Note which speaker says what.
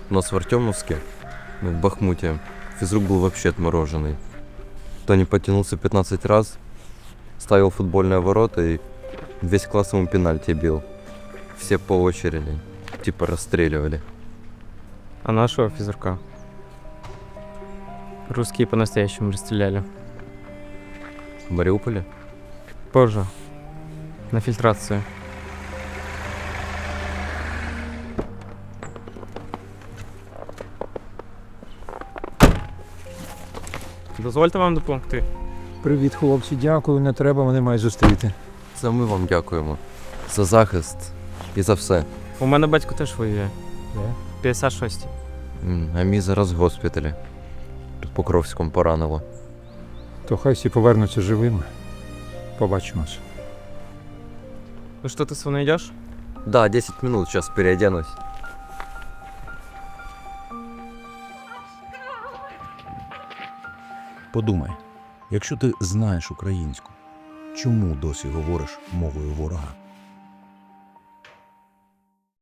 Speaker 1: У нас в Артемовске, в Бахмуте, физрук был вообще отмороженный. Тони подтянулся 15 раз, ставил футбольные ворота и весь класс ему пенальти бил. Все по очереди, типа расстреливали.
Speaker 2: А нашего физрука русские по-настоящему расстреляли.
Speaker 1: В Мариуполе?
Speaker 2: Позже. На фильтрацию. Дозвольте вам допомогти.
Speaker 3: Привіт, хлопці, дякую, не треба, мене мають зустріти.
Speaker 1: Це ми вам дякуємо. За захист і за все.
Speaker 2: У мене батько теж воює. 56-й.
Speaker 1: А мій зараз в госпіталі. Під Покровськом поранило.
Speaker 3: То хай всі повернуться живими. Побачимось.
Speaker 2: Ну что, ты с мной идешь?
Speaker 1: Да, 10 минут, сейчас переоденусь.
Speaker 4: Подумай, якщо ти знаєш українську, чому досі говориш мовою ворога?